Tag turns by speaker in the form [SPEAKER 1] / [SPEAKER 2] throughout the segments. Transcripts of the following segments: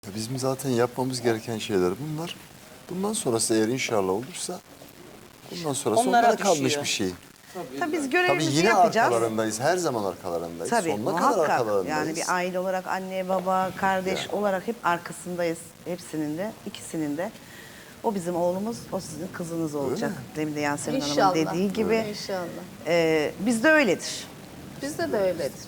[SPEAKER 1] Bizim zaten yapmamız gereken şeyler bunlar. Bundan sonrası eğer inşallah olursa bundan sonrası onlara kalmış
[SPEAKER 2] düşüyor.
[SPEAKER 1] bir şey.
[SPEAKER 3] Tabii biz
[SPEAKER 1] Tabii
[SPEAKER 3] görevimizi
[SPEAKER 1] yine
[SPEAKER 3] yapacağız.
[SPEAKER 1] arkalarındayız. Her zaman arkalarındayız.
[SPEAKER 3] Tabii
[SPEAKER 1] Sonuna kadar
[SPEAKER 3] muhakkak.
[SPEAKER 1] arkalarındayız.
[SPEAKER 3] Yani bir aile olarak anne, baba, kardeş olarak hep arkasındayız. Hepsinin de, ikisinin de. O bizim oğlumuz, o sizin kızınız olacak. Demin de Yasemin Hanım'ın
[SPEAKER 2] İnşallah.
[SPEAKER 3] dediği gibi.
[SPEAKER 2] İnşallah.
[SPEAKER 3] Bizde öyledir.
[SPEAKER 2] Bizde de öyledir.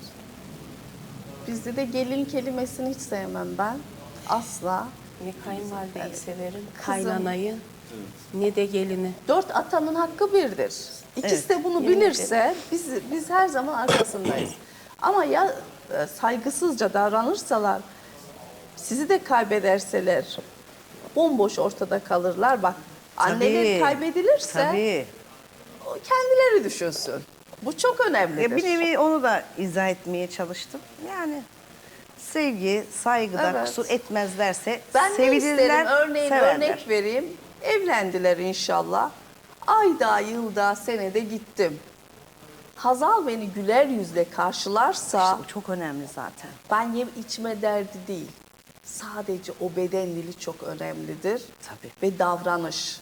[SPEAKER 2] Bizde de gelin kelimesini hiç sevmem ben. Asla.
[SPEAKER 4] Ne kayınvalideyi severim,
[SPEAKER 2] Kızım.
[SPEAKER 4] kaynanayı, ne de gelini.
[SPEAKER 2] 4 atanın hakkı birdir. İkisi
[SPEAKER 3] Evet,
[SPEAKER 2] de bunu
[SPEAKER 4] yemin
[SPEAKER 2] bilirse biz her zaman arkasındayız. Ama ya saygısızca davranırsalar, sizi de kaybederseler, bomboş ortada kalırlar. Bak anneleri kaybedilirse
[SPEAKER 3] Tabii.
[SPEAKER 2] o kendileri düşünsün. Bu çok önemlidir.
[SPEAKER 3] Bir nevi onu da izah etmeye çalıştım. Yani sevgi, saygıda
[SPEAKER 2] Evet.
[SPEAKER 3] kusur etmezlerse
[SPEAKER 2] Ben ne
[SPEAKER 3] sevilirler,
[SPEAKER 2] isterim? Örneğin
[SPEAKER 3] severler.
[SPEAKER 2] örnek vereyim. Evlendiler inşallah. Ayda, yılda, senede gittim. Hazal beni güler yüzle karşılarsa
[SPEAKER 3] Bu çok önemli zaten.
[SPEAKER 2] ben yem içme derdi değil. Sadece o beden dili çok önemlidir.
[SPEAKER 3] Tabii.
[SPEAKER 2] Ve davranış.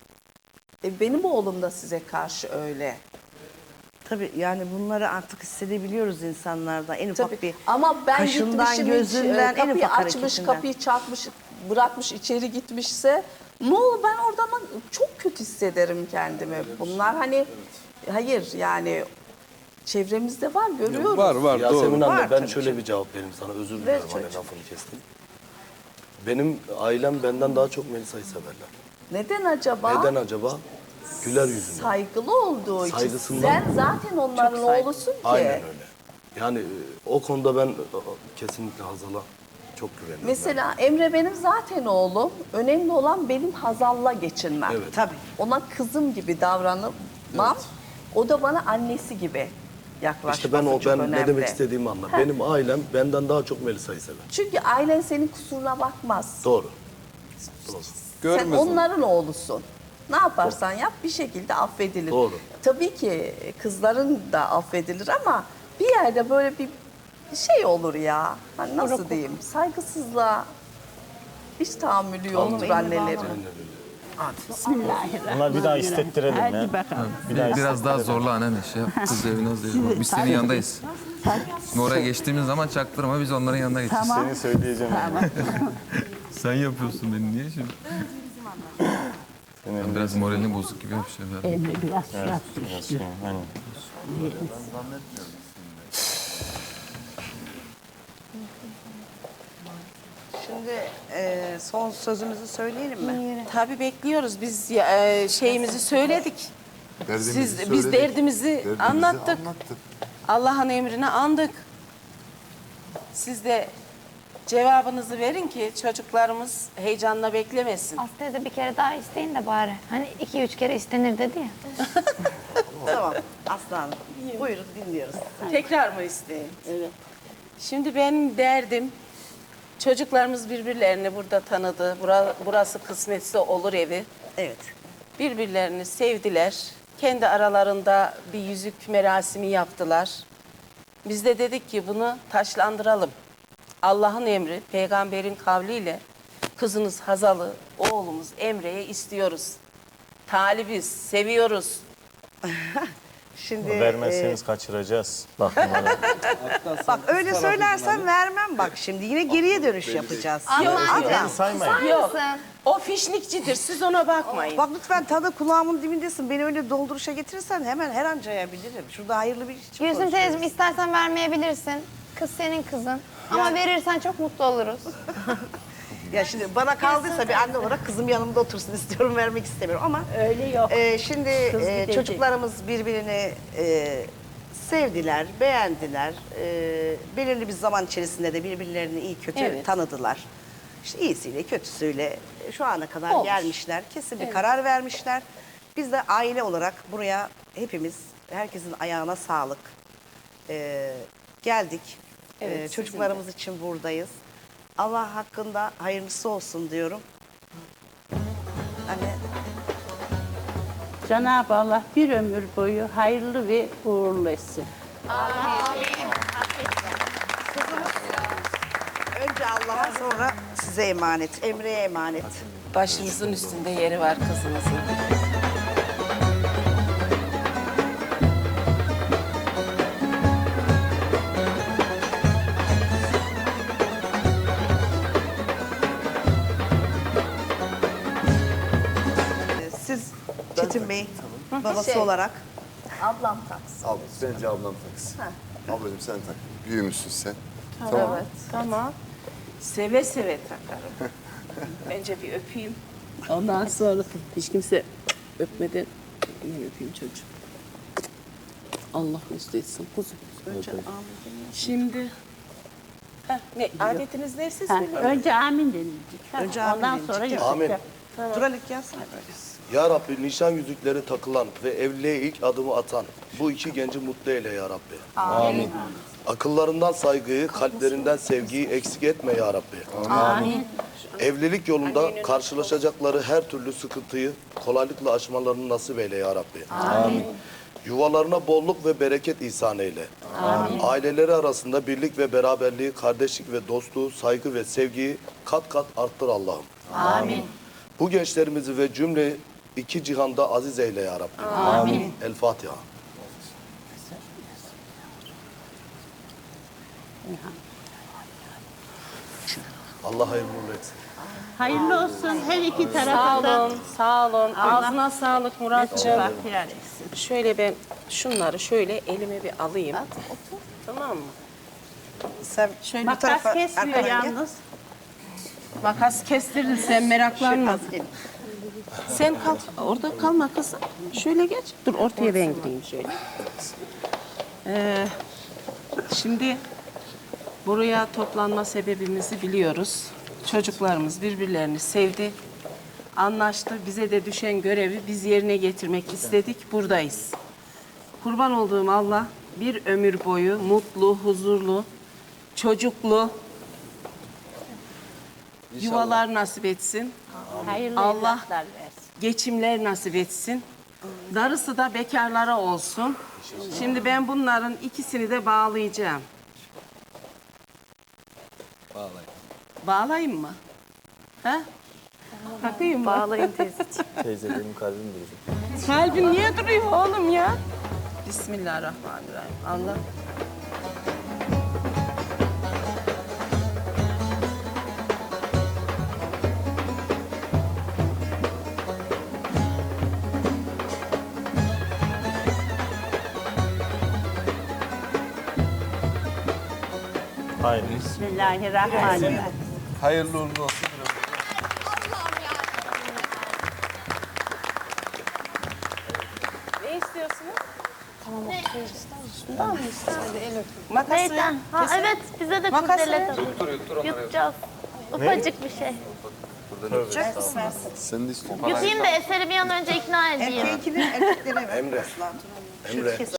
[SPEAKER 2] Benim oğlum da size karşı öyle.
[SPEAKER 3] Tabii yani bunları artık hissedebiliyoruz insanlarda. En ufak
[SPEAKER 2] Tabii.
[SPEAKER 3] bir
[SPEAKER 2] Ama ben
[SPEAKER 3] kaşından,
[SPEAKER 2] gitmişim
[SPEAKER 3] gözünden, en
[SPEAKER 2] kapıyı
[SPEAKER 3] ufak
[SPEAKER 2] açmış,
[SPEAKER 3] hareketinden.
[SPEAKER 2] kapıyı çarpmış, bırakmış içeri gitmişse ne olur ben oradan çok kötü hissederim kendimi. Bunlar hani hayır yani çevremizde var görüyoruz.
[SPEAKER 5] Var
[SPEAKER 6] Yasemin
[SPEAKER 5] doğru.
[SPEAKER 6] anne
[SPEAKER 3] Var
[SPEAKER 6] ben
[SPEAKER 3] tabii
[SPEAKER 6] şöyle
[SPEAKER 3] ki.
[SPEAKER 6] bir cevap vereyim sana, özür
[SPEAKER 2] Ver
[SPEAKER 6] diliyorum hani
[SPEAKER 2] çocuğum.
[SPEAKER 6] lafını kestim. Benim ailem benden daha çok Melisa'yı severler.
[SPEAKER 2] Neden acaba?
[SPEAKER 6] Neden acaba? Güler yüzünden.
[SPEAKER 2] Saygılı olduğu için.
[SPEAKER 6] Saygısından.
[SPEAKER 2] Sen zaten onların oğlusun ki.
[SPEAKER 6] Aynen öyle. Yani o konuda ben kesinlikle Hazal'a çok güveniyorum.
[SPEAKER 2] Mesela Emre benim zaten oğlum. Önemli olan benim Hazal'la geçinmem.
[SPEAKER 6] Evet.
[SPEAKER 3] Tabii.
[SPEAKER 2] Ona kızım gibi davranmam. O da bana annesi gibi yaklaşması
[SPEAKER 6] İşte ben
[SPEAKER 2] çok
[SPEAKER 6] ne
[SPEAKER 2] önemli.
[SPEAKER 6] demek istediğimi anla. Benim ailem benden daha çok Melisa'yı sever.
[SPEAKER 2] Çünkü ailen senin kusuruna bakmaz.
[SPEAKER 6] Doğru. Doğru.
[SPEAKER 2] Sen
[SPEAKER 5] Görmez onu.
[SPEAKER 2] onların oğlusun. Ne yaparsan yap bir şekilde affedilir.
[SPEAKER 6] Doğru.
[SPEAKER 2] Tabii ki kızların da affedilir ama bir yerde böyle bir şey olur ya. Hani nasıl diyeyim? Saygısızlığa hiç tahammülü yoktur annelerin.
[SPEAKER 7] Bunlar bir daha istettirelim ya.
[SPEAKER 8] Biraz daha zorla anneanne şey yap. Kız evine hazır. Biz senin yanındayız. Şimdi oraya geçtiğimiz zaman çaktırma biz onların yanına geçeceğiz.
[SPEAKER 7] Seni söyleyeceğim.
[SPEAKER 8] Sen yapıyorsun beni niye şimdi? Ben biraz moralini bozuk gibi bir şey var.
[SPEAKER 7] Aynen.
[SPEAKER 3] Şimdi son sözümüzü söyleyelim mi?
[SPEAKER 4] Tabii bekliyoruz. Biz şeyimizi söyledik.
[SPEAKER 1] Derdimizi
[SPEAKER 4] Biz
[SPEAKER 1] söyledik,
[SPEAKER 4] derdimizi anlattık.
[SPEAKER 1] anlattık.
[SPEAKER 4] Allah'ın emrini andık. Siz de cevabınızı verin ki çocuklarımız heyecanla beklemesin.
[SPEAKER 9] Aslında bir kere daha isteyin de bari. Hani 2-3 kere istenir dedi ya.
[SPEAKER 3] Tamam Aslan. Buyurun dinliyoruz.
[SPEAKER 4] Tekrar mı isteyeyim? Evet. Şimdi benim derdim çocuklarımız birbirlerini burada tanıdı. Burası kısmetse olur evi.
[SPEAKER 3] Evet.
[SPEAKER 4] Birbirlerini sevdiler. Kendi aralarında bir yüzük merasimi yaptılar. Biz de dedik ki bunu taşlandıralım. Allah'ın emri, peygamberin kavliyle kızınız Hazal'ı, oğlumuz Emre'ye istiyoruz. Talibiz, seviyoruz.
[SPEAKER 3] Şimdi
[SPEAKER 7] Vermezseniz kaçıracağız. Bak bunlara.
[SPEAKER 3] bak öyle söylersen vermem bak şimdi yine geriye dönüş yapacağız.
[SPEAKER 7] Beni saymayın.
[SPEAKER 4] Yok, o fişnikçidir, siz ona bakmayın.
[SPEAKER 3] Bak lütfen tadı kulağımın dibindesin. Beni öyle dolduruşa getirirsen hemen her an cayabilirim. Şurada hayırlı bir iş için
[SPEAKER 9] Gülsüm
[SPEAKER 3] konuşuyoruz.
[SPEAKER 9] teyzem istersen vermeyebilirsin. Kız senin kızın. Ama verirsen çok mutlu oluruz.
[SPEAKER 3] Ya şimdi bana kaldıysa bir anne olarak kızım yanımda otursun istiyorum, vermek istemiyorum ama
[SPEAKER 4] Öyle yok.
[SPEAKER 3] şimdi
[SPEAKER 4] gidecek.
[SPEAKER 3] çocuklarımız birbirini sevdiler, beğendiler. Belirli bir zaman içerisinde de birbirlerini iyi kötü
[SPEAKER 4] Evet.
[SPEAKER 3] tanıdılar. İşte iyisiyle kötüsüyle şu ana kadar
[SPEAKER 4] Olmuş.
[SPEAKER 3] gelmişler. Kesin bir karar vermişler. Biz de aile olarak buraya hepimiz, herkesin ayağına sağlık. Geldik.
[SPEAKER 4] Evet,
[SPEAKER 3] Çocuklarımız için buradayız. Allah hakkında hayırlısı olsun diyorum. Anne.
[SPEAKER 10] Cenab-ı Allah bir ömür boyu hayırlı ve uğurlu etsin.
[SPEAKER 3] Önce Önce Allah'a sonra size emanet. Emre'ye emanet.
[SPEAKER 4] Başınızın üstünde yeri var kızınızın.
[SPEAKER 3] Siz Çetin Bey babası
[SPEAKER 2] Şey.
[SPEAKER 3] olarak
[SPEAKER 2] Ablam taksın.
[SPEAKER 1] Al, bence ablam taksın. Ablacığım sen tak. Büyümüşsün sen.
[SPEAKER 2] Evet.
[SPEAKER 4] Tamam. Seve seve takarım. Önce bir öpeyim. Ondan sonra hiç kimse öpmeden ben öpeyim çocuğum. Allah mesut etsin kuzum. Önce şimdi ne adetiniz ne siz
[SPEAKER 10] Ha,
[SPEAKER 4] söyleyin.
[SPEAKER 10] önce amin denilecek. Ha,
[SPEAKER 3] Önce amin
[SPEAKER 10] ondan
[SPEAKER 3] denilecek.
[SPEAKER 10] sonra
[SPEAKER 3] Evet.
[SPEAKER 10] yapacak.
[SPEAKER 6] Amin.
[SPEAKER 3] Duralik yazsana.
[SPEAKER 6] Ya Rabbi nişan yüzükleri takılan ve evliliğe ilk adımı atan bu iki genci mutlu eyle ya Rabbi.
[SPEAKER 7] Amin.
[SPEAKER 6] Akıllarından saygıyı, kalplerinden sevgiyi eksik etme ya Rabbi.
[SPEAKER 10] Amin.
[SPEAKER 6] Evlilik yolunda karşılaşacakları her türlü sıkıntıyı kolaylıkla aşmalarını nasip eyle ya Rabbi.
[SPEAKER 7] Amin.
[SPEAKER 6] Yuvalarına bolluk ve bereket ihsan eyle. Aileleri arasında birlik ve beraberliği, kardeşlik ve dostluğu, saygı ve sevgiyi kat kat arttır Allah'ım.
[SPEAKER 10] Amin.
[SPEAKER 6] Bu gençlerimizi ve cümle iki cihanda aziz eyle ya Rabbi.
[SPEAKER 10] Amin.
[SPEAKER 6] El Fatiha. Allah hayırlı uğurlu etsin.
[SPEAKER 10] Hayırlı olsun her iki
[SPEAKER 4] Sağ
[SPEAKER 10] tarafa
[SPEAKER 4] olun, sağ olun. Ağzına sağlık Muratcığım.
[SPEAKER 10] Bahtiyar etsin.
[SPEAKER 4] Şöyle ben şunları şöyle elime bir alayım. Tamam mı?
[SPEAKER 3] Sen şöyle bu
[SPEAKER 10] Makas
[SPEAKER 3] tarafa
[SPEAKER 10] kesmiyor
[SPEAKER 3] arkadan gel.
[SPEAKER 10] yalnız.
[SPEAKER 4] Makas kestirdin sen meraklanma.
[SPEAKER 3] Az gelin.
[SPEAKER 4] Sen kal, orada kalma kızım. Şöyle geç. Dur ortaya ben gideyim şöyle. Şimdi buraya toplanma sebebimizi biliyoruz. Çocuklarımız birbirlerini sevdi, anlaştı. Bize de düşen görevi biz yerine getirmek istedik. Buradayız. Kurban olduğum Allah bir ömür boyu mutlu, huzurlu, çocuklu yuvalar nasip etsin.
[SPEAKER 10] Hayırlı
[SPEAKER 4] Allah
[SPEAKER 10] evlatlar versin.
[SPEAKER 4] geçimler nasip etsin. Darısı da bekarlara olsun. Şimdi ben bunların ikisini de bağlayacağım. Bağlayayım mı? Ha? Takayım mı?
[SPEAKER 2] Bağlayın teyzeciğim.
[SPEAKER 7] Teyze benim kalbim duracak.
[SPEAKER 4] Kalbin niye duruyor oğlum ya? Bismillahirrahmanirrahim. Allah.
[SPEAKER 7] Hayır.
[SPEAKER 10] Bismillahirrahmanirrahim.
[SPEAKER 1] Hayırlı uğurlu olsun.
[SPEAKER 4] Ne istiyorsunuz? Makası.
[SPEAKER 9] Neyden? Ha evet bize de
[SPEAKER 4] Makası.
[SPEAKER 9] kurdele tabii. Yutacağız. Ufacık bir şey.
[SPEAKER 1] Sen de istiyorsun.
[SPEAKER 9] Yutayım da Eser'i bir an önce ikna edeyim.
[SPEAKER 3] Erkeğinkini erkeklere ver.
[SPEAKER 6] Emre. Emre.